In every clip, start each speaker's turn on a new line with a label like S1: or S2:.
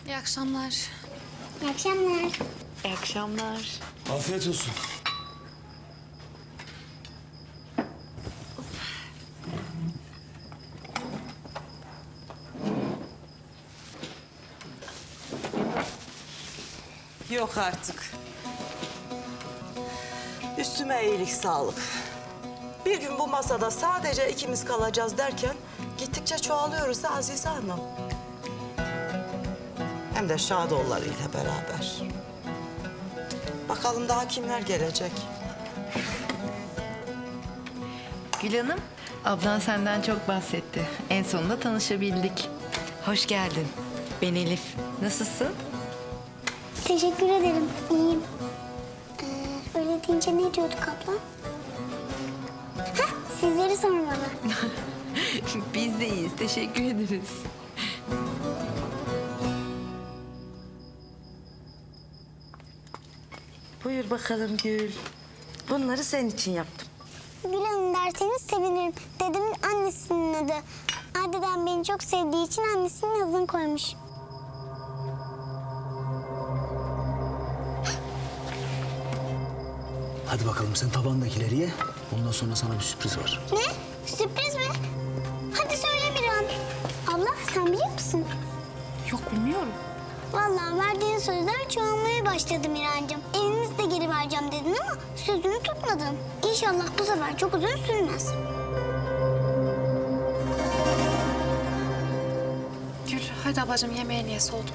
S1: İyi akşamlar.
S2: İyi akşamlar.
S3: İyi akşamlar.
S4: Afiyet olsun.
S3: Yok artık. Üstüme iyilik, sağlık. Bir gün bu masada sadece ikimiz kalacağız derken gittikçe çoğalıyoruz da Azize Hanım. Hem de Şadoğulları ile beraber. Bakalım daha kimler gelecek?
S5: Gül Hanım, ablan senden çok bahsetti. En sonunda tanışabildik. Hoş geldin. Ben Elif. Nasılsın?
S2: Teşekkür ederim. İyiyim. Öyle deyince ne diyorduk abla? Heh, sizleri sormalı.
S5: Biz de iyiyiz. Teşekkür ederiz.
S3: Buyur bakalım Gül. Bunları senin için yaptım.
S2: Gül Hanım derseniz sevinirim. Dedemin annesinin adı. Dedem beni çok sevdiği için annesinin adını koymuş.
S4: Hadi bakalım sen tabandakileri ye. Ondan sonra sana bir sürpriz var.
S2: Ne? Sürpriz mi? Hadi söyle bir an. Abla sen biliyor musun?
S1: Yok bilmiyorum.
S2: Vallahi verdiğin sözler çoğalmaya başladı Mirancığım. Evimizi de geri vereceğim dedin ama sözünü tutmadın. İnşallah bu sefer çok uzun sürmez.
S1: Gül hadi ablacığım yemeğini ye soğudum.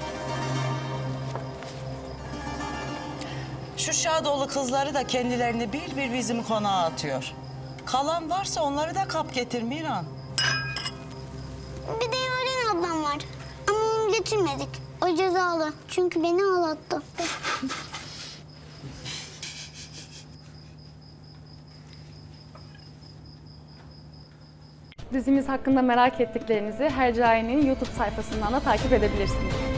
S3: Şu Şadoğlu kızları da kendilerini bir bizim konağa atıyor. Kalan varsa onları da kap getir Miran.
S2: Bir de Yaren ablam var. Ama onu getirmedik. O cezalı. Çünkü beni ağlattı.
S6: Dizimiz hakkında merak ettiklerinizi Hercai'nin YouTube sayfasından da takip edebilirsiniz.